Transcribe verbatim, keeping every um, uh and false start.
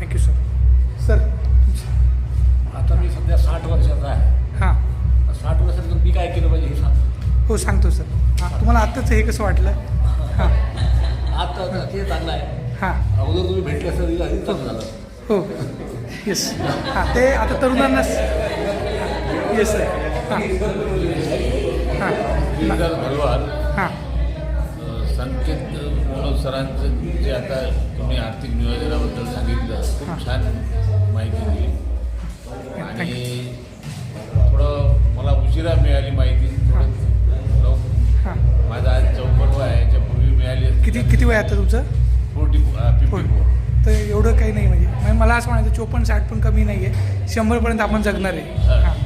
Thank you sir. Sir आता मी सध्या साठ वर्षाचा आहे. हां साठ वर्षात मी काय केलं पाहिजे हे सांग. हो सांगतो सर. हां तुम्हाला आत्ताच हे कसं वाटलं? हां आता ते चांगलं आहे. हां अगोदर तुम्ही भेटले असं आधी चांगलं झालं. हो येस. हां ते आता तरुणांना येस सर. हां हां गिरीधर भरवाल हां संकेत मनोज सरांचं जे आता तुम्ही आर्थिक नियोजनाबद्दल सांगितलं हां. खूप छान माहिती दिली आणि थोडं मला उशिरा मिळाली माहिती. थोडं लव- हां माझा आज चौपन्न वय आहे, याच्यापूर्वी मिळाली असती. किती किती वय आता तुमचं? Forty fifty four. तर एवढं काही नाही म्हणजे म्हणजे मला असं म्हणायचं चोपन्न साठ पण कमी नाही आहे, शंभरपर्यंत आपण जगणार आहे. हां